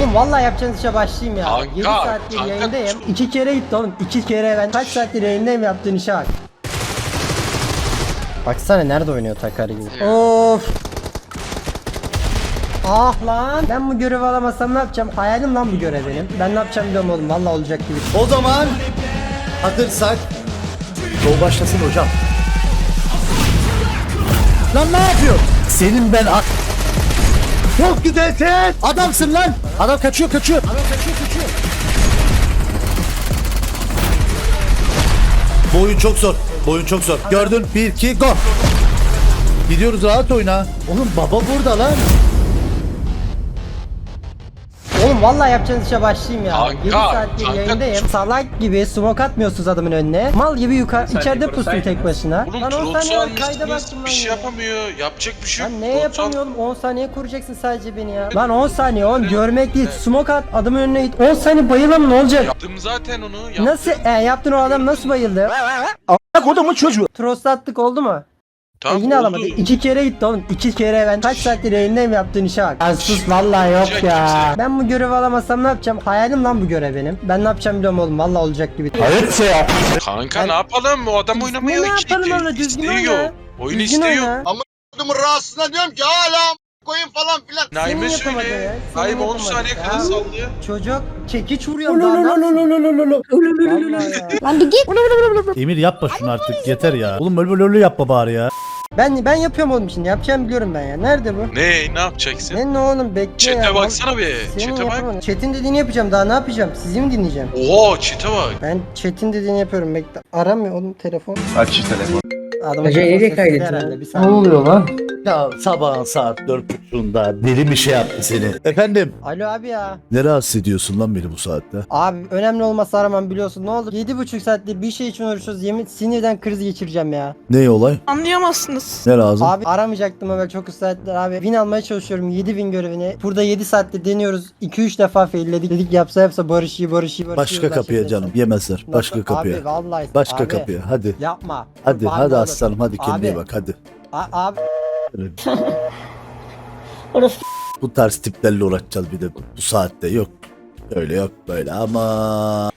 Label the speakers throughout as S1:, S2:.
S1: Oğlum vallahi yapacağınız işe başlayayım ya.
S2: Kanka,
S1: 7 saattir
S2: kanka.
S1: yayındayım. 2 kere gitti oğlum. 2 kere ben kaç saattir yayındayım, yaptığın işe bak. Baksana nerede oynuyor Takari gibi. Of. Ah lan. Ben bu görevi alamasam ne yapacağım? Hayalim lan bu görev benim. Ben ne yapacağım biliyorum oğlum. Vallahi olacak gibi.
S3: O zaman hazırsak show başlasın hocam. Lan ne yapıyor? Senin ben çok güzelsin. Adamsın lan. Adam kaçıyor. Adam kaçıyor. Bu oyun çok zor. Gördün 1 2 go. Gidiyoruz, rahat oyna. Oğlum baba burada lan.
S1: Oğlum vallahi yapacağınız işe başlayayım ya.
S2: Kanka,
S1: 7 saattir
S2: kanka.
S1: yayındayım. Salak gibi smoke atmıyorsunuz adamın önüne. Mal gibi içeride pustu tek başına.
S2: Oğlum
S1: Lan 10
S2: Trots'u
S1: saniye var, kayda
S2: almışsınız,
S1: baktım
S2: bir
S1: lan
S2: şey
S1: ya.
S2: yapamıyor. Yapacak bir şey yok.
S1: Lan neye
S2: Trots'u al-
S1: yapamıyorum? 10 saniye kuracaksın sadece beni ya. Lan 10 saniye oğlum, görmek değil. Smoke at, adamın önüne git. 10 saniye bayılalım, ne olacak?
S2: Yaptım zaten onu. Yaptım.
S1: Nasıl yaptın, o adam nasıl bayıldı?
S3: Kodumun çocuğu.
S1: Trost attık, oldu mu?
S2: Tamam,
S1: Yine
S2: oldu.
S1: alamadık. 2 kere gitti oğlum. 2 kere ben kaç saattir yayındayım, yaptığın işe bak. Ya sus vallahi yok
S2: Kimse-
S1: ya.
S2: kimse-
S1: Ben bu görevi alamasam ne yapacağım? Hayalim lan bu görev benim. Ben ne yapacağım biliyorum oğlum. Vallahi olacak gibi.
S3: Hayır ya.
S2: Kanka ne yapalım? O adam oynamıyor.
S1: Ne yapalım oğlum? Düzgün oyna.
S2: Oyun
S1: Düzgün
S2: istiyor.
S1: oyna.
S4: Adamın rahatsızına diyorum ki hala koyun falan filan.
S2: Naime
S1: Senin yapamadın
S2: söyle.
S1: ya, senin
S2: Naime 10
S1: yapamadın
S2: saniye
S1: ya.
S2: kadar sallıyor.
S1: Çocuk çekiç vuruyor daha ne yapsın? Vallahi ya.
S5: Lan bir git.
S3: Emir yapma şunu artık, yeter ya. Oğlum öyle yapma bari ya.
S1: Ben yapıyorum oğlum şimdi. Yapacağım biliyorum ben ya. Nerede bu?
S2: Ne yapacaksın?
S1: Ne oğlum, bekle ya.
S2: Chat'e baksana bir.
S1: Senin
S2: Chat'e bak.
S1: yapamadın. Chat'in dediğini yapacağım. Daha ne yapacağım? Sizi mi dinleyeceğim?
S2: Oha chat'e bak.
S1: Ben chat'in dediğini yapıyorum. Bekle. Aramıyor oğlum telefon.
S4: Aç şu telefonu.
S1: Adamın
S6: Hacı
S1: telefonu
S6: nereye
S1: sessiz
S6: kaydettin
S1: herhalde,
S6: lan?
S1: bir
S6: Ne
S1: saniye.
S6: oluyor lan?
S3: Ya sabahın saat 4.30'da deli bir şey yaptı seni. Efendim?
S1: Alo abi ya.
S3: Ne rahatsız ediyorsun lan beni bu saatte?
S1: Abi önemli olmasa aramam, biliyorsun. Ne oldu? 7,5 saattir bir şey için uğraşıyoruz. Yemin sinirden kriz geçireceğim ya.
S3: Ne olay?
S7: Anlayamazsınız.
S3: Ne lazım?
S1: Abi aramayacaktım ama çok ısrar ettiler abi. Win almaya çalışıyorum, 7 win görevini. Burada 7 saatte deniyoruz. 2-3 defa failledik. Dedik yapsa barış iyi.
S3: Başka kapıya canım. Yemezler. Başka kapıya.
S1: Abi vallahi.
S3: Başka
S1: abi,
S3: kapıya. Hadi.
S1: Yapma.
S3: Hadi
S1: Kurban
S3: hadi
S1: olur.
S3: aslanım, hadi kendine
S1: Abi.
S3: bak hadi.
S1: Abi.
S5: Orası
S3: Bu tarz tiplerle uğraşacağız bir de bu saatte. Yok öyle yok böyle ama.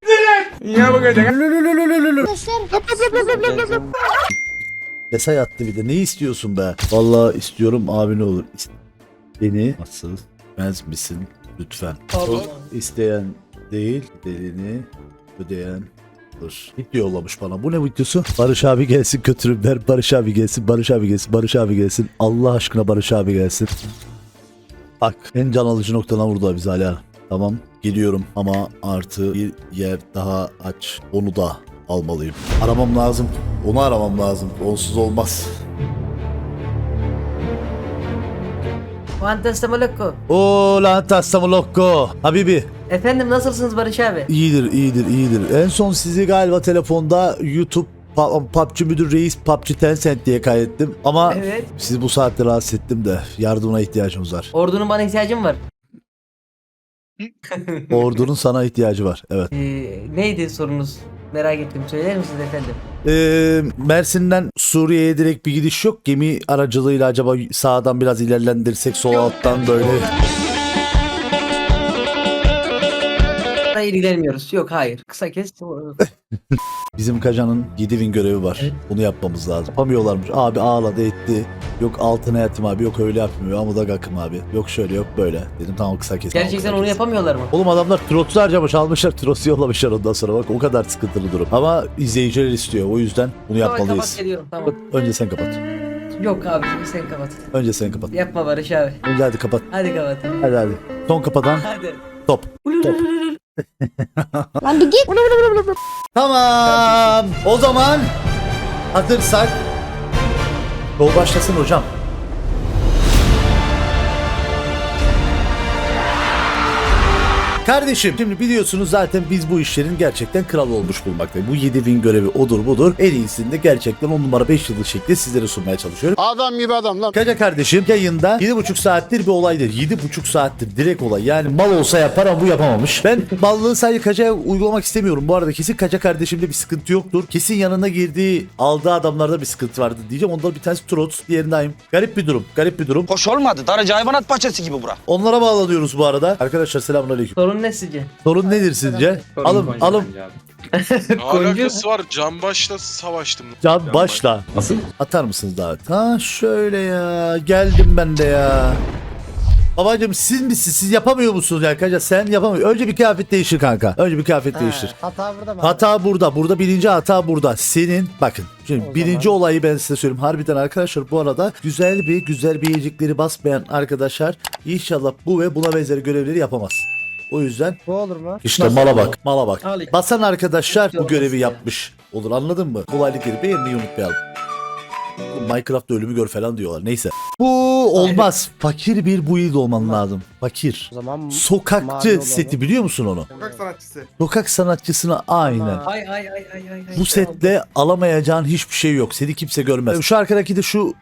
S3: Mesaj attı bir de. Ne istiyorsun be? Vallahi istiyorum abi, ne olur. Beni nasıl bilmez misin lütfen? İsteyen değil, delini ödeyen dur. Video yollamış bana. Bu ne videosu? Barış abi gelsin kötürümler. Barış abi gelsin. Barış abi gelsin. Barış abi gelsin. Allah aşkına Barış abi gelsin. Bak en can alıcı noktadan vurdu bizi hala. Tamam geliyorum ama artı bir yer daha aç. Onu da almalıyım. Aramam lazım. Onu aramam lazım. Onsuz olmaz.
S6: Fantastamoloko.
S3: Oo lan tassamolokko. Habibi.
S6: Efendim nasılsınız Barış abi?
S3: İyidir. En son sizi galiba telefonda YouTube PUBG Müdür Reis PUBG Tencent diye kaydettim. Ama
S6: Evet.
S3: sizi bu saatte rahatsız ettim de yardımına ihtiyacımız var.
S6: Ordunun bana ihtiyacım var.
S3: Ordunun sana ihtiyacı var. Evet.
S6: Neydi sorunuz? Merak ettim. Söyler misiniz efendim?
S3: Mersin'den Suriye'ye direkt bir gidiş yok. Gemi aracılığıyla acaba sağdan biraz ilerlendirsek, sol alttan böyle.
S6: Hayır ilerlemiyoruz. Yok hayır. Kısa kes.
S3: Bizim Kaja'nın 7 win görevi var.
S6: Evet.
S3: Bunu yapmamız lazım. Yapamıyorlarmış. Abi ağladı etti. Yok altına yatım abi. Yok öyle yapmıyor. Ama da gakım abi. Yok şöyle yok böyle. Dedim tamam kısa kes. tamam,
S6: Gerçekten
S3: kısa
S6: onu
S3: kes.
S6: yapamıyorlar mı?
S3: Oğlum adamlar trotu harcamış, almışlar, trotu yollamışlar ondan sonra, bak o kadar sıkıntılı durum. Ama izleyiciler istiyor, o yüzden bunu
S6: Tamam,
S3: yapmalıyız.
S6: kapat geliyorum tamam.
S3: Önce sen kapat.
S6: Yok abi sen kapat.
S3: Önce sen kapat.
S6: Yapma Barış abi.
S3: Önce hadi kapat.
S6: Hadi kapat.
S3: Hadi. Son kapatan
S6: Hadi.
S3: top.
S5: lan bir git.
S3: Tamam. O zaman hazırsak yol başlasın hocam. Kardeşim şimdi biliyorsunuz zaten biz bu işlerin gerçekten kralı olmuş bulmaktayız. Bu 7000 görevi odur budur. En iyisini de gerçekten 10 numara 5 yıldız şekli sizlere sunmaya çalışıyorum.
S4: Adam gibi adam lan.
S3: Kaca kardeşim yayında 7,5 saattir bir olaydır. 7,5 saattir direkt olay. Yani mal olsa yapar ama bu yapamamış. Ben ballığı sadece Kaca'ya uygulamak istemiyorum. Bu arada kesin Kaca kardeşimde bir sıkıntı yoktur. Kesin yanına girdiği, aldığı adamlarda bir sıkıntı vardı diyeceğim. Ondan bir tanesi Trots, diğeri Naim. Garip bir durum. Garip bir durum.
S7: Hoş olmadı. Darıcı hayvanat bahçesi gibi bura.
S3: Onlara bağlanıyoruz bu arada. Arkadaşlar selamünaleyküm.
S6: Sorun ne sizce?
S3: Sorun nedir sizce? Alın.
S2: Ne alakası var? Canbaş'la savaştım.
S3: Can başla. Nasıl? Atar mısınız davet? Ha şöyle ya. Geldim ben de ya. Babacım siz misiniz? Siz yapamıyor musunuz ya Kaca? Sen yapamıyorsun. Önce bir kıyafet değiştir kanka. Önce bir kıyafet değiştir.
S1: Hata burada mı? abi?
S3: Hata burada. Burada birinci hata burada. Senin bakın. Şimdi
S1: O
S3: birinci
S1: zaman-
S3: olayı ben size söyleyeyim. Harbiden arkadaşlar bu arada güzel bir yiyecekleri basmayan arkadaşlar inşallah bu ve buna benzer görevleri yapamaz. O yüzden
S1: Bu olur mu?
S3: işte mala bak. Mala bak.
S6: Al.
S3: Basan arkadaşlar bu
S6: Yok,
S3: görevi
S6: ya.
S3: yapmış. Olur anladın mı? Kolaylıkları beğenmeyi unutmayalım. Minecraft'ta ölümü gör falan diyorlar. Neyse. Bu olmaz. Fakir bir build olman lazım. Fakir.
S1: O zaman mavi
S3: Sokakçı
S1: olalım.
S3: seti biliyor musun onu?
S8: Sokak sanatçısı.
S3: Sokak sanatçısına aynen.
S1: Tamam.
S6: Ay.
S3: Bu setle alamayacağın hiçbir şey yok. Seni kimse görmez. Şu arkadaki de şu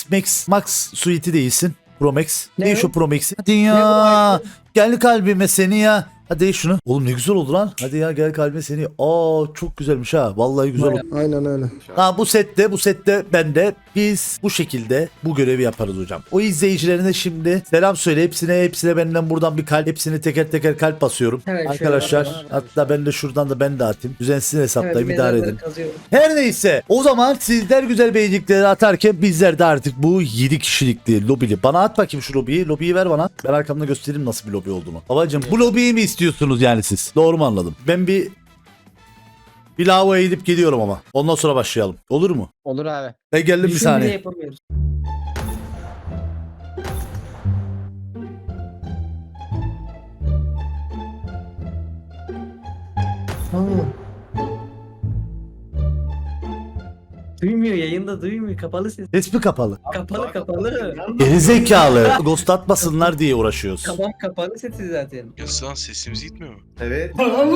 S3: Max suite'i değilsin. Pro Max.
S6: Ne
S3: Ne
S6: o?
S3: şu Pro Max'i? Hadi ya. Gel kalbime seni ya. Hadi değiş şunu. Oğlum ne güzel oldu lan. Hadi ya gel kalbime seni. Aa çok güzelmiş ha. Vallahi güzel oldu.
S8: Aynen öyle.
S3: Ha bu sette bende biz bu şekilde bu görevi yaparız hocam. O izleyicilerine şimdi selam söyle hepsine benden buradan bir kalp hepsini teker teker kalp basıyorum.
S6: Evet, şöyle
S3: Arkadaşlar
S6: yapalım.
S3: hatta ben de şuradan da ben de atayım. Düzensiz hesaplayayım idare edin.
S6: Kazıyorum.
S3: Her neyse o zaman sizler güzel beğenicikleri atarken bizler de artık bu 7 kişilikli lobili. Bana at bakayım şu lobiyi. Lobiyi ver bana. Ben arkamda göstereyim nasıl bir lobi olduğunu. Babacım bu lobiyi mi istiyorsunuz yani siz? Doğru mu anladım? Ben bir lavaboya gidip geliyorum ama. Ondan sonra başlayalım. Olur mu?
S1: Olur abi.
S3: Ben geldim bir
S6: Düşün bile
S3: saniye.
S6: yapamıyoruz. Duymuyor yayında duymuyor kapalı ses.
S3: Ses mi kapalı?
S6: Kapalı.
S3: Gerizekalı. Ghost atmasınlar diye uğraşıyoruz.
S6: Tamam kapalı sesi zaten.
S2: Yaslan sesimiz gitmiyor mu?
S8: Evet.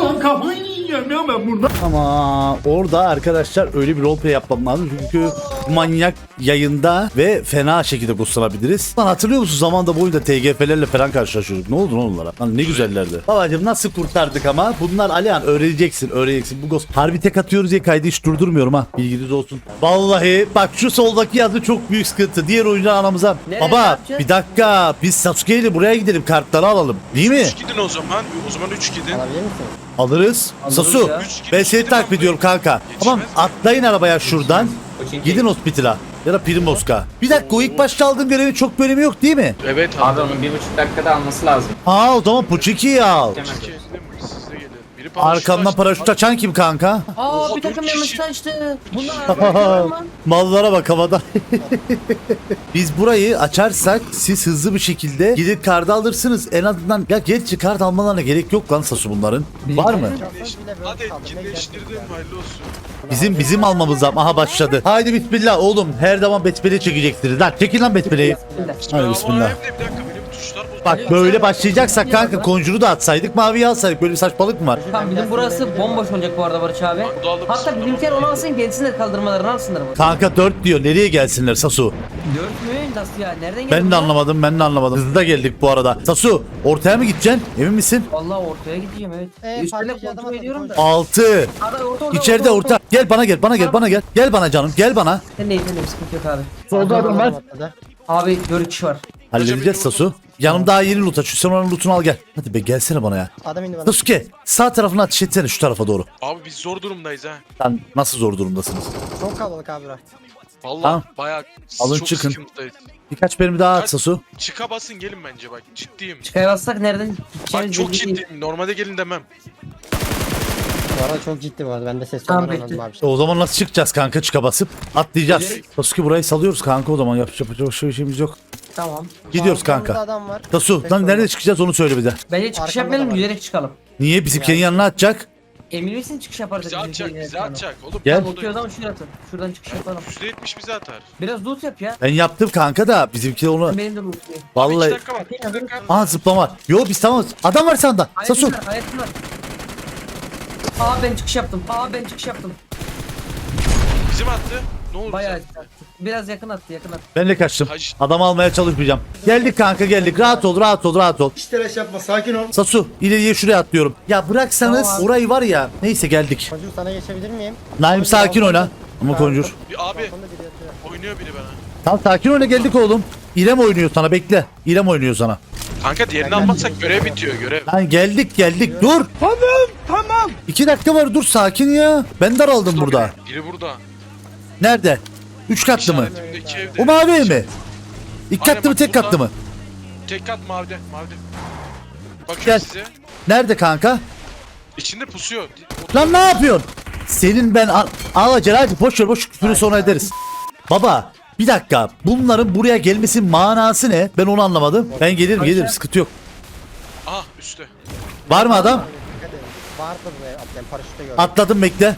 S3: Ama orada arkadaşlar öyle bir roleplay yapmam lazım çünkü manyak yayında ve fena şekilde ghostlanabiliriz. Lan hatırlıyor musun zamanda boyunca TGF'lerle falan karşılaşıyorduk. Ne oldu lan onlara? Lan ne güzellerdi. Babacım nasıl kurtardık ama bunlar Alihan öğreneceksin. Bu ghost. Harbi tek atıyoruz diye kaydı hiç durdurmuyorum ha. Bilginiz olsun. Vallahi bak şu soldaki yazı çok büyük sıkıntı. Diğer oyuncu anamıza.
S6: Nereye
S3: Baba
S6: yapacağız?
S3: bir dakika biz Sasuke ile buraya gidelim kartları alalım. Değil mi?
S2: 3 gidin o zaman. O zaman 3 gidin.
S1: Alabilir misin?
S3: Alırız.
S6: Alırız
S3: Sasu
S6: ya.
S3: ben seni takip ediyorum kanka.
S2: Yetişmez
S3: Tamam
S2: mi?
S3: atlayın arabaya şuradan. Gidin hospitala ya da Primosk'a. Bir dakika o ilk başta aldığın görevin çok bölümü yok değil mi?
S2: Evet
S9: Abi onun 1,5 dakikada alması lazım.
S3: Ha o zaman Puçiki'yi al.
S9: Hemen.
S2: Siz de gelin. Biri paraşüt
S3: Arkamdan
S2: açtı.
S3: paraşüt açan kim kanka?
S6: Aa
S2: Oha,
S6: bir takım
S2: dört
S6: yanlış
S2: kişi.
S6: açtı. Bunlar mı?
S3: Mallara bak havada. Biz burayı açarsak siz hızlı bir şekilde gidip kart alırsınız. En azından ya gerçi kart almalarına gerek yok lan Sasu bunların. Var mı?
S2: Hadi etkinleştirdim. Hayırlı olsun.
S3: Bizim almamız lazım. Aha başladı. Haydi bismillah oğlum. Her zaman besmele çekeceksiniz lan. Çekin lan besmeleyi. Hadi
S2: Ama
S3: bismillah.
S2: hem de bir dakika benim tuşlar bozuldu.
S3: Bak böyle başlayacaksak kanka Conjure'u da atsaydık maviyi alsaydık. Böyle bir saçmalık mı var?
S6: Tamam bizim burası bomboş olacak bu arada Barış abi.
S2: Bak, dağıldı
S6: Hatta
S2: mısın?
S6: bizimkiler onu alsın gelsinler kaldırmalarını alsınlar. Bu.
S3: Kanka 4 diyor. Nereye gelsinler Sasu?
S6: 4 mü? Nasıl ya? Nereden geldi?
S3: Ben de anlamadım. Hızlı geldik bu arada. Sasu ortaya mı gideceksin? Emin misin?
S6: Vallahi ortaya gideceğim evet. Üstüne
S1: partici adam
S6: kontrol ediyorum da.
S3: 6.
S6: Ada orta.
S3: İçeride orta. Gel bana gel. Gel bana canım. Gel bana.
S6: Sen neyin sıkıntı yok abi.
S5: Solda adam var.
S6: Abi 4 kişi var.
S3: Halledeceğiz Sasu. Yanım daha yeni loot açıyor. Sen onun lootunu al gel. Hadi be gelsene bana ya.
S1: Adam indi bana.
S3: Sasuke sağ tarafına ateş etsene şu tarafa doğru.
S2: Abi biz zor durumdayız ha.
S3: Sen nasıl zor durumdasınız?
S1: Çok kalabalık abi bura.
S2: Vallahi
S3: Tamam.
S2: bayağı
S3: Alın
S2: çok
S3: çıkın.
S2: sıkıntıdayız.
S3: Birkaç bölümü daha at Sasu.
S2: Çıka basın gelin bence bak ciddiyim.
S6: Çıkaya bassak nereden
S2: Bak
S6: gideceğimiz
S2: çok
S6: belli değil.
S2: ciddiyim. Normalde gelin demem.
S1: Bu arada çok ciddi bu arada. Ben de ses
S6: Tamam,
S1: tonları
S6: bekle.
S1: anladım abi.
S3: O zaman nasıl çıkacağız kanka çıka basıp? Atlayacağız. Sasuke burayı salıyoruz kanka o zaman. Yapacak başka bir şeyimiz yok.
S6: Tamam.
S3: Gidiyoruz
S1: Arkamızda
S3: kanka.
S1: adam var.
S3: Sasu lan nerede çıkacağız onu söyle bir de.
S6: Bence çıkış
S1: Arkamda
S6: yapmayalım
S1: da var.
S6: yüzerek çıkalım.
S3: Niye bizimkinin yanına atacak?
S6: Emin misin çıkış yaparsak?
S2: Bizi atacak, bizi atacak. Oğlum
S3: Gel.
S2: ben
S6: Bakıyor zaman şuraya atın. Şuradan çıkış yapalım.
S2: %70 bizi atar.
S6: Biraz loot yap ya.
S3: Ben yaptım kanka da bizimki onu
S6: Benim de loot'luyum.
S2: Abi 2
S3: vallahi.
S2: dakika var. 2 dakika.
S3: Aha zıplama var. Yo biz tamam. Adam var sağında. Sasu.
S6: Hayatım var. Aa ben çıkış yaptım.
S2: Bizim attı. Ne oldu?
S6: Bayağı
S2: bize?
S6: attı. Biraz yakın attı.
S3: Ben de kaçtım.
S2: Kaç-
S3: Adam almaya çalışmayacağım. Geldik kanka geldik. Rahat ol rahat ol rahat ol.
S4: Hiç telaş yapma sakin ol.
S3: Sasu ileriye şuraya atlıyorum. Ya bıraksanız
S6: Tamam abi.
S3: orayı var ya. Neyse geldik.
S1: Koncu sana geçebilir miyim?
S3: Naim sakin oyna. Ama Konjur.
S2: Bir abi
S1: Balkonda biri yatıyor.
S2: oynuyor biri bana.
S3: Tamam sakin oyna geldik oğlum. İrem oynuyor sana bekle. İrem oynuyor sana.
S2: Kanka diğerini almazsak görev bitiyor görev.
S3: Lan geldik dur. Tamam. 2 dakika var dur sakin ya. Ben daraldım burada.
S2: Biri burada.
S3: Nerede? 3 katlı mı?
S2: İşaretimde 2 evde.
S3: O mavi ev mi? 2
S2: Aynen
S3: katlı mı
S2: bak
S3: tek
S2: burada.
S3: katlı mı?
S2: Tek kat mavide. Mavide. Bakıyorum
S3: Gel.
S2: size.
S3: Nerede kanka?
S2: İçinde pusuyor.
S3: Lan ne yapıyorsun? Senin ben al acele hadi boş ver boş küfürü sonra ederiz. Baba bir dakika bunların buraya gelmesinin manası ne? Ben onu anlamadım. Ben gelirim sıkıntı yok.
S2: Aha üstte.
S3: Var mı adam?
S1: Dikkat edin. Vardır buraya atlayan paraşütte gördüm.
S3: Atladım bekle.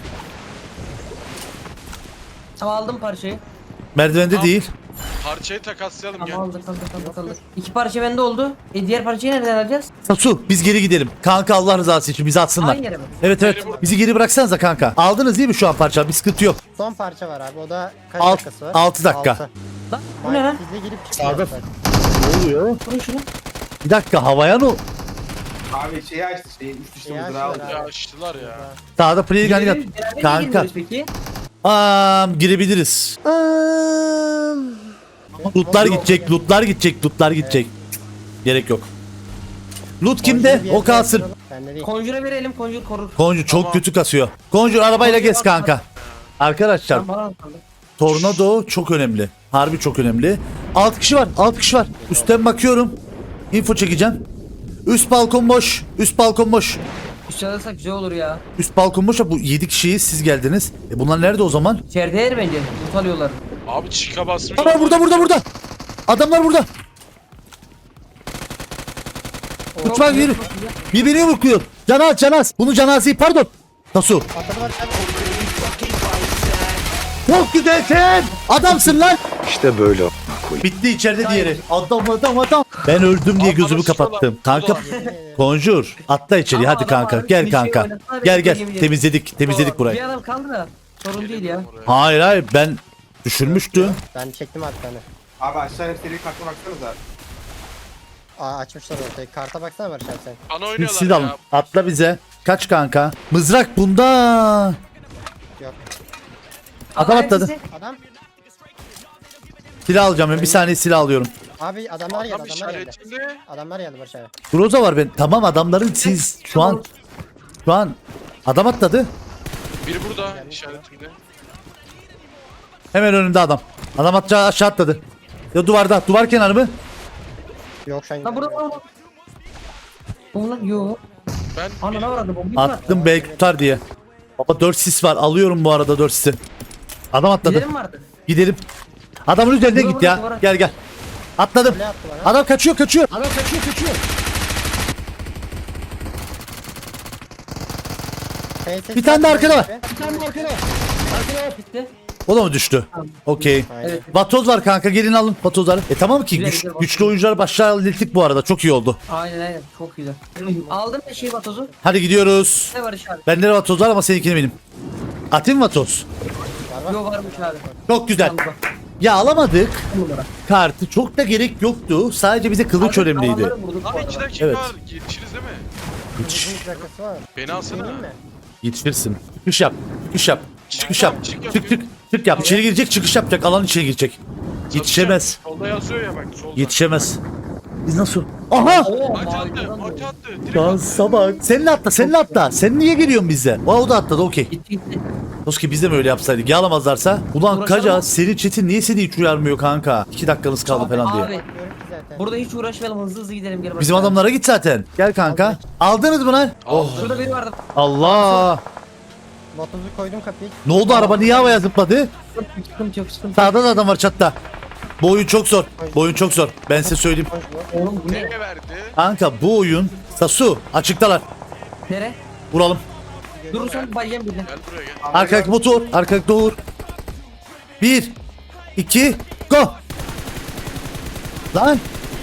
S6: Tamam aldım parçayı.
S3: Merdivende
S2: Tamam.
S3: değil.
S2: Parçayı takaslayalım gel.
S6: Tamam aldık. 2 parça bende oldu. Diğer parçayı nereden alacağız?
S3: Sasu biz geri gidelim. Kanka Allah rızası için bizi atsınlar.
S6: Aynı yere mi?
S3: Evet evet bizi geri bıraksanıza kanka. Aldınız değil mi şu an parça? Bir sıkıntı yok.
S1: Son parça var abi. O da kaç
S3: Alt-
S1: dakikası var?
S3: 6 dakika.
S1: 6.
S6: Lan bu ne lan?
S1: Sizle girip çıkıyor.
S3: Ne oluyor?
S6: Vurun şunu.
S3: Bir dakika havaya ne?
S9: Abi şeyi açtı üst üste
S1: Ya,
S9: mızrağı aldı.
S1: şöyle
S2: Ya
S1: abi.
S2: açtılar ya.
S3: Sağda player gun
S6: Beraber
S3: yap.
S6: niye
S3: Kanka.
S6: girmiyoruz peki?
S3: Girebiliriz. Lootlar gidecek. Gerek yok. Loot kimde? O kalsın.
S1: Bende değil.
S6: Conjure'a verelim. Conjure korur.
S3: Koncu çok
S2: Tamam.
S3: kötü kasıyor. Koncu arabayla gez kanka. Arkadaşlar
S6: Tamam bana kaldı.
S3: tornado çok önemli. Harbi çok önemli. 6 kişi var. Üstten bakıyorum. Info çekeceğim. Üst balkon boş. Üst
S6: Üstüne alırsak güzel olur ya.
S3: Bu 7 kişiyiz siz geldiniz. Bunlar nerede o zaman?
S6: İçeride yer bence. Loot alıyorlar.
S2: Abi çika basmış.
S3: Adamlar burada. Adamlar burada. Uçmak yürü. Birbirini vuruyor. Canaz. Bunu cenazesi pardon. Tasu.
S1: Atladı var abi.
S3: Çok güzelsin. Adamsın lan. İşte böyle. Bitti içeride diğeri. Adam. Ben öldüm diye
S2: Abi
S3: gözümü
S2: bana sıkıyorlar.
S3: kapattım. Kanka Konjur atla içeri
S6: Ama
S3: hadi
S6: adam
S3: kanka.
S6: var,
S3: Gel
S6: bir şey
S3: kanka.
S6: oynasana,
S3: Gel
S6: bir
S3: gel.
S6: şey
S3: Temizledik
S6: Bir
S3: burayı.
S6: adam kaldı da. Sorun değil ya.
S3: Hayır ben düşürmüştüm.
S1: Ben çektim abi tane.
S9: Abi aşağıya seri kartına baksanıza.
S1: Açmışlar ortaya. Karta baksana Barış abi sen.
S2: Bana
S3: Siz
S2: oynuyorlar
S3: alın.
S2: ya.
S3: Atla bize. Kaç kanka? Mızrak bunda.
S1: Yok.
S3: Adam atladı.
S6: hangisi?
S1: Adam.
S3: Silah alacağım ben. Bir saniye silah alıyorum.
S1: Abi adamlar geldi.
S2: Tam işaretinde.
S1: Adamlar geldi Barış abi.
S3: Groza var ben. Tamam adamların siz şu an adam atladı.
S2: Biri burada işaretimde.
S3: Hemen önünde adam. Adam aşağı atladı. Ya duvarda. Duvar kenarı mı?
S1: Yok şu an.
S6: Lan burada. Oğlum yok.
S2: Ben
S6: Anana varadı bombayı mı attı?
S3: Attım belki tutar diye. Baba 4 sis var. Alıyorum bu arada 4 sisi. Adam atladı.
S6: Gidelim mi artık?
S3: Gidelim. Adamın üzerine
S6: Duvara
S3: git ya.
S6: duvara.
S3: Gel. Atladım.
S1: Ne attı bana?
S3: Adam kaçıyor. Bir tane de arkada var.
S6: Bitti.
S3: O da mı düştü? Okey.
S6: Evet.
S3: Vatoz var kanka gelin alın vatozları. Tamam ki
S6: Güzel, güzel,
S3: güçlü oyuncular başlığa hallettik bu arada. Çok iyi oldu.
S6: Aynen çok güzel. Aldım da şey vatozu.
S3: Hadi gidiyoruz.
S6: Ne Barış abi?
S3: Bende de vatoz var ama seninkini benim. Atayım mı vatoz?
S6: Yok varmış abi.
S3: Çok güzel.
S6: Tamam, bak.
S3: Ya alamadık
S6: Numara.
S3: kartı. Çok da gerek yoktu. Sadece bize kılıç
S6: Abi,
S3: önemliydi.
S6: adamları vurduk bu
S2: Abi
S6: arada.
S2: 2 dakika
S3: Evet.
S2: var. Yetişiriz değil mi?
S1: Uzun bir dakikası var.
S2: Beni alsana.
S1: Değil mi?
S3: Yetişirsin. Çıkış yap. Çıkış yap.
S2: Çık,
S3: Çık yap. İçeri girecek çıkış yapacak. Alan içine girecek. Yetişemez.
S2: Solda yazıyor ya bak solda.
S3: Yetişemez. Biz nasıl? Aha!
S6: Oo,
S2: Ati attı.
S6: mavi'den
S2: Ati
S6: oldu.
S2: attı. Direkt
S3: Lan
S2: attı.
S3: sabah. Seninle atla. Sen niye geliyorsun bizde? O da atladı okey.
S6: Gitti.
S3: Toski biz de mi öyle yapsaydık? Yağlamazlarsa. Ulan
S6: Uğraşalım.
S3: Kaca senin chat'in niye seni hiç uyarmıyor kanka? 2 dakikanız kaldı falan diye.
S6: Abi
S1: Diyorum ki zaten.
S6: burada hiç uğraşmayalım hızlı gidelim gel.
S3: Bizim adamlara git zaten. Gel kanka. Aldınız mı lan? Oh
S6: Şurada biri vardı.
S3: Allah.
S1: Botuzu koydum kapıyı.
S3: Ne oldu araba niye havaya zıpladı?
S6: Sıkıntı yok.
S3: Sağda da adam var çatta. Bu oyun çok zor. Ben size söyleyeyim.
S6: Oğlum bu ne?
S2: Ne verdi?
S3: Kanka bu oyun. Sasu açıktalar.
S6: Nere?
S3: Vuralım.
S6: Durursan bayacağım birini.
S2: Gel buraya gel.
S3: Arkadaki motor. Arkadaki doğur. 1 2 go. Lan.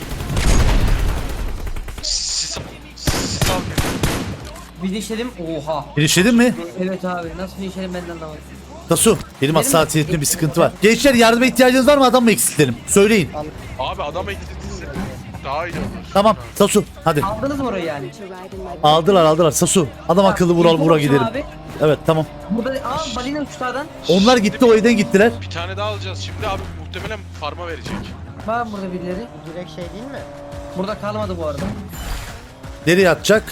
S2: Sis al.
S6: Bir dişelim. Oha.
S3: Girişledin mi?
S6: Evet abi nasıl bir dişelim ben de anlamadım.
S3: Tasu. Benim hassasiyetimde bir sıkıntı var. Gençler yardıma ihtiyacınız var mı? Adam mı eksiltelim? Söyleyin.
S2: Abi adam eksiltirse daha iyi olur.
S3: Tamam. Tasu. Hadi.
S6: Aldınız mı orayı yani?
S3: Aldılar. Sasu. Adam akıllı vuralım vura gidelim.
S6: Abi.
S3: Evet tamam.
S6: Burada balina uçlardan.
S3: Onlar gitti o evden gittiler.
S2: Bir tane daha alacağız şimdi abi muhtemelen farma verecek.
S6: Var burada birileri.
S1: Direkt şey değil mi?
S6: Burada kalmadı bu arada.
S3: Nereye atacak?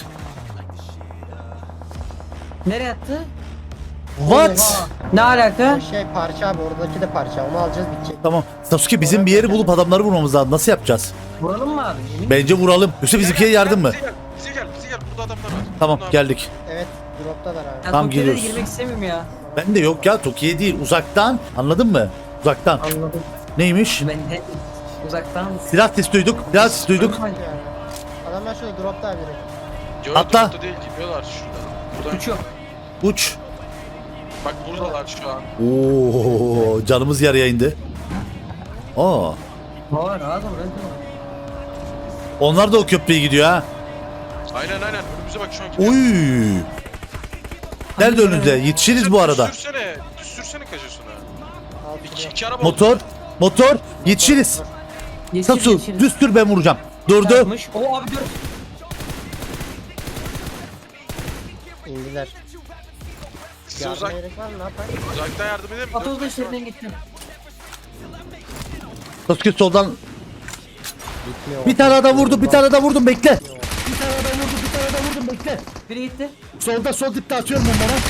S6: Nereye attı?
S3: What?
S6: Oha. Ne alaka?
S1: O şey parça abi, oradaki de parça. Onu alacağız, bitecek.
S3: Tamam. Sasuke bizim bir yeri bulup adamları vurmamız lazım. Nasıl yapacağız?
S6: Vuralım mı abi? Yemin-
S3: Bence vuralım. Yoksa bizimkiye yardım mı?
S2: Bize gel. Burada adamlar var.
S3: Tamam
S2: Bunlar-
S3: geldik.
S1: Evet, droptalar abi.
S6: Ya
S3: Tam
S6: Tokyo'ya da
S3: geliyoruz.
S6: girmek istemiyorum ya.
S3: Ben de yok ya Toki'ye değil uzaktan. Anladın mı? Uzaktan.
S6: Anladım.
S3: Neymiş?
S6: Ben de uzaktan.
S3: Silah sesi duyduk. Silah sesi duyduk.
S1: Yani. Adamlar şöyle dropta abi direkt.
S2: Yo,
S3: Atla.
S2: dropta değil gidiyorlar şurada. Buradan.
S6: Uçuyor.
S3: Uç.
S2: Bak buradalar şu an.
S3: Oo, canımız yarıya indi. Aa.
S6: Var rahat ol.
S3: Onlar da o köprüye gidiyor ha.
S2: Aynen önümüze bak şu an gidiyor.
S3: Oy. Nerede önünde? Yetişiriz bu arada.
S2: Düşürsene kaçıyorsun ha.
S1: Al
S2: İki araba oldu.
S3: Motor. Yetişiriz. Sasu düz sür ben vuracağım. Durdu.
S6: Çarpmış. O abi dur.
S1: indiler.
S2: Size
S1: Yardıma
S2: uzak,
S1: gerek var mı? Ne yapayım?
S2: uzaktan yardım edelim mi?
S6: Atoz da işlerinden gitti.
S3: Sasuke soldan.
S1: Bitmiyor.
S3: Bir tane adam vurdu. Bir tane daha vurdum bekle.
S6: Biri gitti.
S3: Solda sol dipte atıyorum onlara.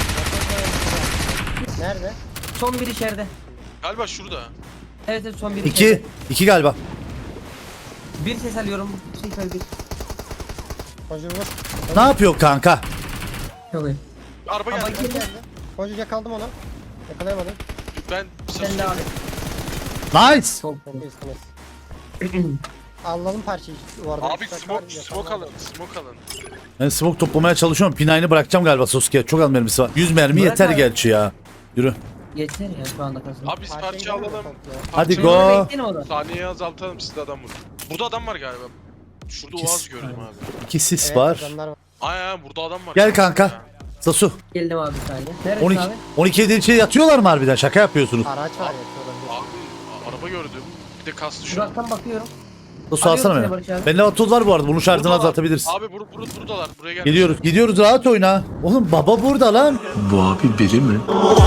S1: Nerede?
S6: Son bir içeride.
S2: Galiba şurada.
S6: Evet son bir içeride.
S3: 2 galiba.
S6: Bir ses alıyorum. Bir.
S1: Koca vur.
S3: Ne yapıyor kanka?
S6: Çok iyi.
S2: Araba
S6: Ama
S2: geldi.
S6: geldi.
S1: Koca yakaldım onu. Yakalayamadım.
S2: Ben
S6: Sen de abi.
S3: Nice.
S6: Çok
S1: İyiyiz. Alalım parçayı. Bu arada
S2: Abi
S1: üstte var,
S2: smoke
S1: yakalım.
S2: alın.
S3: Ben smoke toplamaya çalışıyorum. Pinayını bırakacağım galiba Sasuke. Çok az mermisi var. 100 mermi
S6: Bırak
S3: yeter
S6: abi.
S3: gerçi ya. Yürü.
S6: Yeter ya şu anda kasım.
S2: Abi biz
S1: Parçayı
S2: parça
S1: değil mi
S2: alalım.
S1: topluyor?
S3: Hadi
S6: Şöyle
S3: go.
S6: bekleyelim o da.
S2: Saniyeyi azaltalım siz de adam vurun. Burada adam var galiba. Şurada
S3: İkisi.
S2: Oğaz gördüm abi.
S3: 2 sis
S1: Evet,
S3: var.
S1: adamlar var.
S2: Aynen burada adam var.
S3: Gel kanka. Sasu.
S6: Geldim abi bir saniye. Neredesin
S3: 12
S6: abi?
S3: 12 evden içeri yatıyorlar mı harbiden? Şaka yapıyorsunuz.
S1: Araç var ya. şurada.
S2: Abi araba gördüm. Bir de kastı şu an.
S6: Uzaktan bakıyorum.
S3: Sasu alsana
S6: Arıyorum
S3: beni.
S6: seni Barış abi.
S3: Bende vatuz var bu arada. Bunun şarjını
S2: Buradalar.
S3: azaltabiliriz.
S2: Abi buradalar. Buraya gel.
S3: Gidiyoruz rahat oyna. Oğlum baba burada lan.
S8: Bu abi biri mi?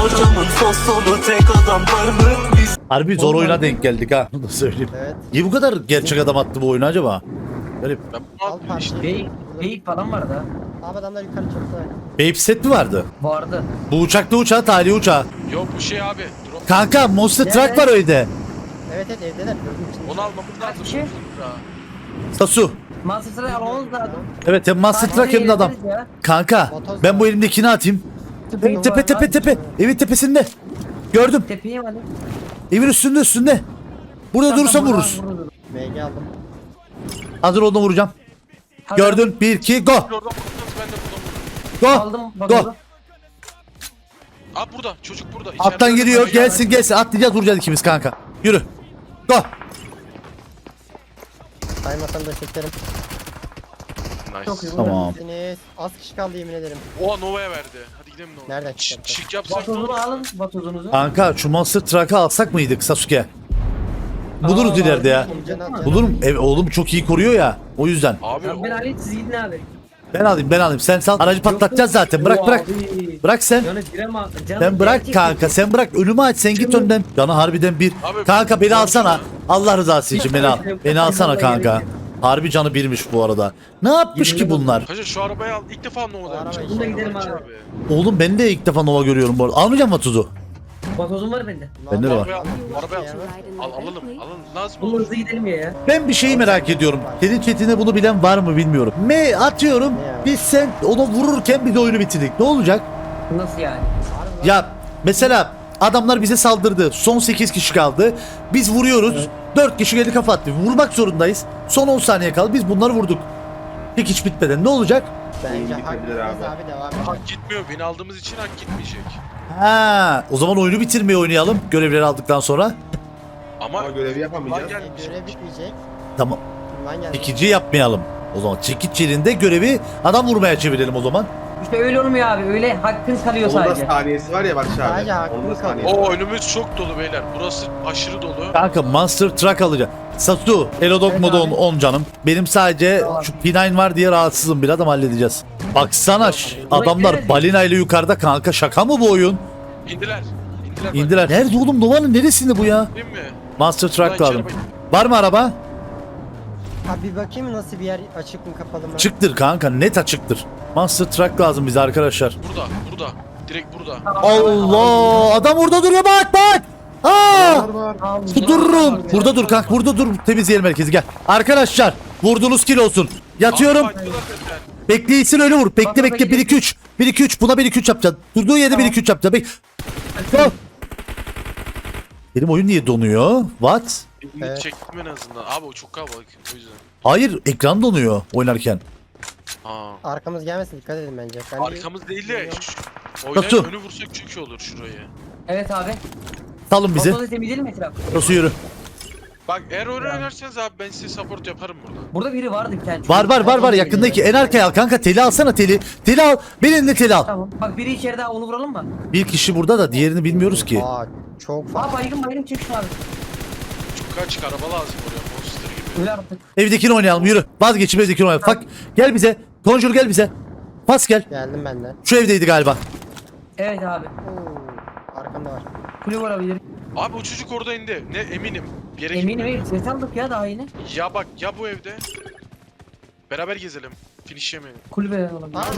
S3: Harbi zor oyuna denk geldik ha. Bunu da söyleyeyim.
S1: Evet.
S3: Niye bu kadar gerçek adam attı bu oyunu acaba? Garip.
S2: Ben bunu
S1: Al
S2: aldım işte.
S1: parçayı.
S6: Beyik falan vardı ha.
S1: Abi adamlar yukarı çıktı.
S3: Babe set mi vardı?
S6: Vardı.
S3: Bu uçaklı uçağı, tali uçağı.
S2: Yok bu şey abi. Drop.
S3: Kanka Monster
S6: Nerede?
S3: Truck var öyle.
S1: Evet evdeler. Gördüm içinde.
S2: Onu almamız lazım.
S6: Kaç kişi?
S3: Sasu.
S6: Monster'ı almamız lazım.
S3: Evet hem Monster Truck hem de adam.
S6: Eğleniriz ya.
S3: Kanka ben bu elimdekini atayım. Tepe. Evin tepesinde. Gördüm.
S6: Tepeye mi alayım?
S3: Evin üstünde. Burada durursa vururuz.
S1: MG aldım.
S3: Hazır olduğunu vuracağım.
S6: Hadi.
S3: Gördün. 1 2 go.
S2: Oradan vurursanız ben de buradan vururum.
S3: Go.
S6: Aldım.
S3: Go.
S6: Bakalım.
S2: Abi burada. Çocuk burada.
S3: Alttan
S2: İçeride
S3: geliyor.
S2: adam var.
S3: Gelsin. Atlayacağız vuracağız ikimiz kanka. Yürü. Go.
S1: Saymasam da çekerim.
S6: Çok iyi.
S2: Nice.
S3: Tamam.
S1: Deniz. Az kişi kaldı yemin ederim.
S2: Oha Nova'ya verdi. Hadi gidelim Nova'ya.
S1: Nereden çıkarttı?
S2: Şık yapsak ne olur?
S6: Batozunu alın. Batozunuzu.
S3: Kanka şu Monster Truck'ı alsak mıydık Sasuke? Buluruz
S6: Aa,
S3: ileride ya.
S1: Canı al, canı al.
S3: Bulurum. Oğlum çok iyi koruyor ya. O yüzden.
S2: Abi
S6: Ya ben alayım siz gidin abi.
S3: Ben alayım. Sen sal. Aracı patlatacağız zaten. Bırak. Bırak sen.
S6: Canı gireme.
S3: Sen bırak kanka. Sen bırak. Önümü aç. Sen git önden. Canı harbiden bir.
S2: Abi,
S3: Kanka beni
S2: bu-
S3: alsana. Allah rızası için beni al. Beni alsana kanka. Harbi canı birmiş bu arada. Ne yapmış ki bunlar?
S2: Kaca şu arabayı al. İlk defa Nova'da
S1: Araba
S2: yapacağım.
S1: işte.
S6: Bunda gidelim abi.
S3: Oğlum ben de ilk defa Nova görüyorum bu arada. Almayacağım mı tuzu?
S6: Batozum var bende.
S3: Bende de var.
S2: Arabaya alalım. Lazım
S6: Bunun
S2: olur.
S6: hızlı gidelim ya.
S3: Ben bir şeyi merak ediyorum. Senin chatinde bunu bilen var mı bilmiyorum. Atıyorum. Biz sen onu vururken bir de oyunu bitirdik. Ne olacak?
S6: Nasıl yani?
S3: Ya mesela adamlar bize saldırdı. Son 8 kişi kaldı. Biz vuruyoruz. 4 kişi geldi kafa attı. Vurmak zorundayız. Son 10 saniye kaldı. Biz bunları vurduk. Tek hiç bitmeden ne olacak?
S1: Bence
S9: Oyun
S1: hak
S9: bitebilir
S1: etmez
S9: abi.
S1: abi devam et.
S2: Hak gitmiyor. Win aldığımız için hak gitmeyecek.
S3: Ha, o zaman oyunu bitirmeyi oynayalım görevleri aldıktan sonra.
S2: Ama
S9: Ama görevi yapamayacağız.
S2: Lan
S1: Görev bitmeyecek.
S3: Tamam.
S1: Ünvan geldi.
S3: İkinci yapmayalım. O zaman çekiç yerinde görevi adam vurmaya çevirelim o zaman.
S6: İşte öyle olmuyor abi. Öyle hakkın kalıyor
S9: Onun da
S6: sadece.
S9: saniyesi var ya Barış abi.
S1: Sadece hakkını
S9: Onun da
S1: kalıyor.
S9: saniyesi var.
S2: o önümüz çok dolu beyler. Burası aşırı dolu.
S3: Kanka Monster Truck alacağım. Satu, Elodok
S6: Evet
S3: modu
S6: abi.
S3: 10 canım. Benim sadece
S6: Tamam.
S3: şu P9 var diye rahatsızım biraz ama halledeceğiz. Baksana adamlar
S6: nerede?
S3: balina ile yukarıda kanka şaka mı bu oyun?
S2: İndiler. İndiler.
S3: İndiler. Nerede oğlum Nova'nın neresinde bu ya?
S2: Değil mi?
S3: Monster
S2: Ulan
S3: Truck
S2: içeri
S3: lazım.
S2: bak.
S3: Var mı araba?
S1: Abi bir bakayım nasıl bir yer açık mı kapalı mı?
S3: Çıktır kanka net açıktır. Monster Truck lazım bize arkadaşlar.
S2: Burada. Burada. Direkt burada.
S3: Allah adam orada duruyor bak bak. Aa!
S6: Abi,
S3: Dururum. Burada dur kanka burada dur. Temizleyelim merkezi gel. Arkadaşlar vurduğunuz kill olsun. Yatıyorum.
S2: Abi, fight'lılar zaten.
S3: Bekleysin öyle vur. Bekle
S6: Bak,
S3: bekle 1 2 3. 1 2 3 buna 1 2 3 yapacaksın. Durduğu yerde 1 2 3 yapacaksın. Go. Benim oyun niye donuyor? What?
S2: Birini
S1: Evet.
S2: çektim en azından. Abi o çok kalabalık. O yüzden.
S3: Hayır ekran donuyor oynarken.
S2: Aa.
S1: Arkamız gelmesin dikkat edin bence. Ben bir-
S2: Arkamız değil de
S3: Nasıl?
S2: oynayıp önü vursak çok iyi olur şurayı.
S6: Evet abi.
S3: Salın bizi.
S6: Fotoğrafı temizleyelim mi etrafı?
S3: Nasıl yürü?
S2: Bak eğer oyun oynarsanız abi ben size support yaparım burada.
S6: Burada biri vardı bir tane.
S3: Var yakındaki en arkaya al kanka teli alsana teli. Teli al. Bir elinde teli al.
S6: Tamam. Bak biri içeride onu vuralım mı?
S3: Bir kişi burada da diğerini bilmiyoruz ki.
S1: Aa çok fazla.
S6: Aa baygın çık şu abi.
S2: Çok kaç araba lazım oraya monster gibi.
S6: Öyle artık.
S3: Evdekini oynayalım yürü. Vazgeçip evdekini oynayalım. Bak gel bize. Conjure gel bize. Pas gel.
S1: Geldim ben de.
S3: Şu evdeydi galiba.
S6: Evet abi.
S1: Oo, arkamda var.
S6: Kule vurabilir.
S2: Abi o çocuk orada indi. Ne eminim. Bir yere
S6: Eminim
S2: gitmedi.
S6: evet. Ses aldık ya daha yeni.
S2: Ya bak ya bu evde. Beraber gezelim. Finish yemeyelim.
S6: Kulübe olabilir.
S1: Aa,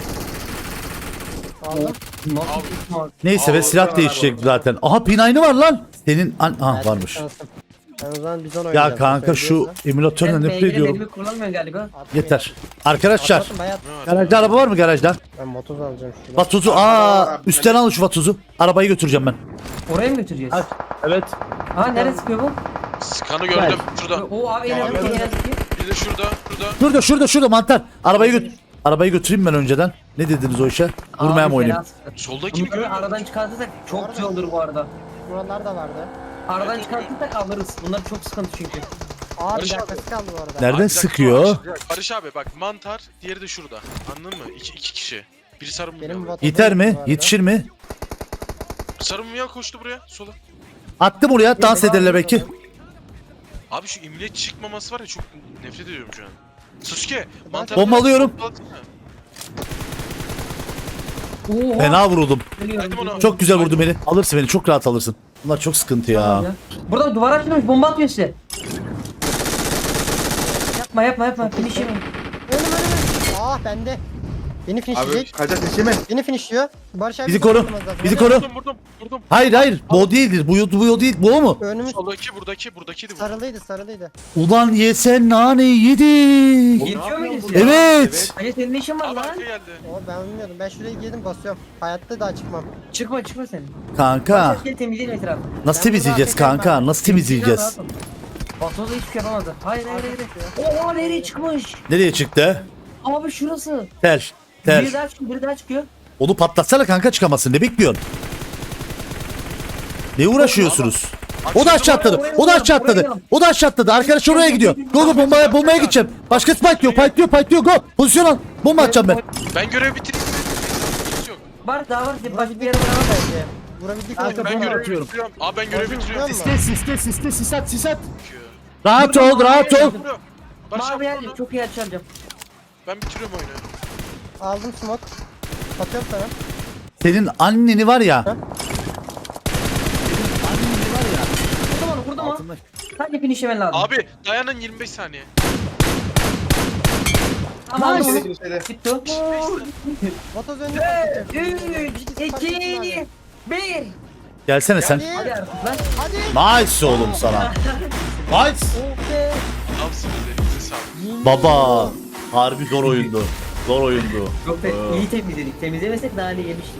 S1: Aldım.
S6: Nasıl?
S3: Neyse ve
S2: Aa,
S3: silah
S9: var
S3: değişecek
S9: orada.
S3: zaten. Aha P9'ı var lan. Senin aha
S1: Geldim,
S3: varmış.
S1: şansım. Ben o zaman bizon oynayacağım.
S3: Ya kanka şu
S1: söylüyorsa.
S3: emülatörle
S6: Sen
S3: nefret
S6: beygire
S3: ediyorum.
S6: mermi kullanmıyorsun galiba.
S1: Atmayın.
S3: Yeter. Arkadaşlar
S1: Atlatın, bayağı-
S2: Ne var?
S3: garajda araba var mı garajda?
S1: Ben motoz alacağım şuradan.
S3: Vatuzu
S9: Araba var.
S3: üstten al şu vatuzu. Arabayı götüreceğim ben.
S6: Oraya mı götüreceğiz?
S3: Evet.
S6: Ha neresi sıkıyor bu?
S2: Skanı gördüm. Şurada.
S6: O abi en azından en azından.
S2: Bir de şurada.
S3: Şurada mantar. Arabayı götüreyim ben önceden. Ne dediniz o işe? Vurmaya mı oynayayım?
S2: Soldaki mi
S6: Bunları
S2: görüyor
S6: aradan
S2: musun?
S6: çıkartırsak çok güzel olur bu arada.
S1: Buralar da vardı.
S6: Aradan çıkartırsak alırız. Bunlar çok sıkıntı çünkü.
S1: Aa bir
S2: Barış abi.
S1: dakikası kaldı bu arada.
S3: Nereden
S2: Abi, bir dakika,
S3: sıkıyor?
S2: Barış abi bak mantar, diğeri de şurada. Anladın mı? İki kişi. Biri sarımıyor.
S1: Benim
S2: Benim
S1: vatoz
S3: Yeter
S1: yok
S3: mi?
S1: bu arada.
S3: Yetişir mi?
S2: sarımıyor koştu buraya sola.
S3: Attım oraya dans ederler belki.
S2: Abi şu imlet çıkmaması var ya çok nefret ediyorum şu an. Sasuke mantar.
S3: Bombalıyorum.
S6: Oha.
S3: Fena vuruldum.
S2: Verdim onu.
S3: Çok güzel vurdu beni. Alırsın beni. Çok rahat alırsın. Bunlar çok sıkıntı ya.
S6: Burada duvar açılmış bomba atıyor size. Yapma. Finish yemeyin.
S1: Önüm. Ah bende. Beni
S9: Abi
S1: finishleyecek.
S9: kaçak seçi mi?
S1: Beni finishliyor. Barış abi
S3: Bizi koru.
S1: vurmaz lazım.
S3: Bizi
S1: Hadi.
S3: koru.
S2: Vurdum.
S3: Hayır. Bu o değildir. Bu o değil. Bu o mu?
S1: Önümüz
S2: Buradakiydi bu.
S1: sarılıydı.
S3: Ulan yesen naneyi yedik.
S6: Yetiyor muydu size?
S3: Evet.
S6: Hayır senin ne işin var
S2: Abi
S6: lan?
S2: arka geldi.
S1: O ben bilmiyordum. Ben şuraya girdim basıyorum. Hayatta daha çıkmam.
S6: Çıkma sen.
S3: Kanka.
S6: Gel temizleyelim etrafı.
S3: Nasıl temizleyeceğiz kanka? Nasıl temizleyeceğiz?
S6: Batoza hiçbir şey yapamadı. Hayır. Oha nereye çıkmış?
S3: Nereye çıktı?
S6: Abi şurası.
S3: Tel.
S6: Biri daha çıkıyor.
S3: Onu patlatsana kanka çıkamasın. Ne bekliyorsun? Ne uğraşıyorsunuz? O da aşağı atladı. Arkadaş oraya gidiyor. Go bombaya gideceğim. Başka fight diyor. Go. Pozisyon al. Bomba atacağım ben.
S2: Ben görev bitireyim mi? Hiç yok.
S6: Var daha var. Başka bir yere
S1: Vurabildik
S6: var.
S1: bence. Vurabildik
S3: Arka
S1: mi?
S2: Ben
S3: bomba
S2: görev
S3: atıyorum.
S2: bitiriyorum. Abi ben görev bitiriyorum.
S3: Sisat. Rahat ol.
S2: Barış
S6: Mavi
S2: abi
S6: geldi.
S2: vurdu.
S6: Çok iyi açacağım.
S2: Ben bitiriyorum oyunu.
S1: Aldım smoke. Atıyorum sana.
S3: Senin anneni var ya.
S6: Vurdum onu. Sadece finish yemen lazım.
S2: Abi dayanın 25 saniye.
S6: Tamam.
S9: Şeyde
S6: Nice.
S9: şeyde.
S6: Bitti o.
S1: Motoz önüne
S6: 3, 2, 1.
S3: Gelsene sen.
S6: Hadi artık lan.
S1: Hadi.
S3: Nice oğlum sana. Nice.
S1: Okey.
S2: Tamsınız elinize sağlık.
S3: Baba. Harbi zor oyundu.
S6: Çok da iyi temizledik. Temizlemesek daha iyi yemiştik.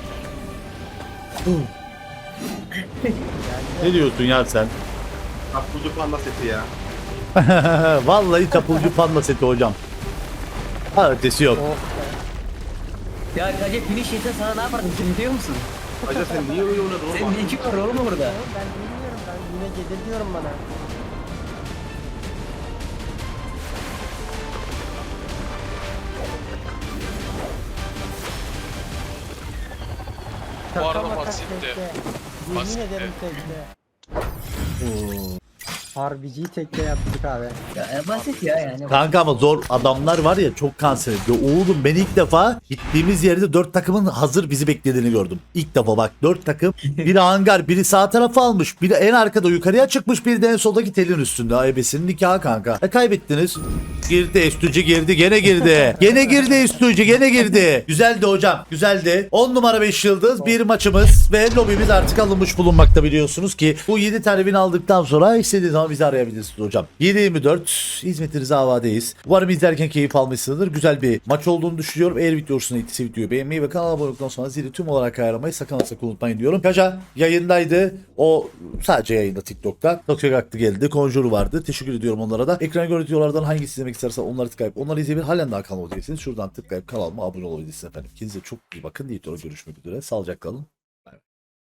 S3: Ne diyorsun ya sen?
S9: Kaplıcı panda seti ya.
S3: Vallahi çapulcu panda seti hocam. Ha ötesi yok.
S6: Ya Kace finish yese sana ne yapardım sen biliyor musun?
S9: Hacı sen niye öyle oynadın oğlum?
S6: Senin ne işin var oğlum orada?
S1: Ben bilmiyorum, ben yine gelir diyorum bana.
S2: Bu arada
S1: Şaka maka
S2: basitti.
S1: tekte. Yemin
S2: Basitti.
S1: ederim tekte. Harbiciyi tekte yaptık abi.
S6: Ya basit ya yani.
S3: Kanka ama zor adamlar var ya çok kanser ediyor. Oğlum ben ilk defa gittiğimiz yerde 4 takımın hazır bizi beklediğini gördüm. İlk defa bak 4 takım. Biri hangar, biri sağ tarafı almış. Biri en arkada yukarıya çıkmış. Biri de en soldaki telin üstünde. Aybesinin nikahı kanka. Kaybettiniz. Girdi Estücü girdi. Gene girdi. Gene girdi Estücü. Gene girdi. Güzeldi hocam. Güzeldi. 10 numara 5 yıldız. Bir maçımız ve lobimiz artık alınmış bulunmakta biliyorsunuz ki. Bu 7 tane win aldıktan sonra istediğiniz zaman bizi arayabilirsiniz hocam. 7-24 hizmetinize havadeyiz. Umarım izlerken keyif almışsınızdır. Güzel bir maç olduğunu düşünüyorum. Eğer video hoşuna gittiyse videoyu beğenmeyi ve kanala abone olduktan sonra zili tüm olarak ayarlamayı sakın unutmayın diyorum. Kaca yayındaydı. O sadece yayında TikTok'ta. Tokyo Aktı geldi. Conjure vardı. Teşekkür ediyorum onlara da. Ekran görüntülerden hangisi izlemek istersen onları tıklayıp onları izleyebilir. Halen daha kanalıma değilseniz şuradan tıklayıp kanalıma abone olabilirsiniz efendim. Kendinize çok iyi bakın. Diğer görüşmek üzere. Sağlıcakla kalın.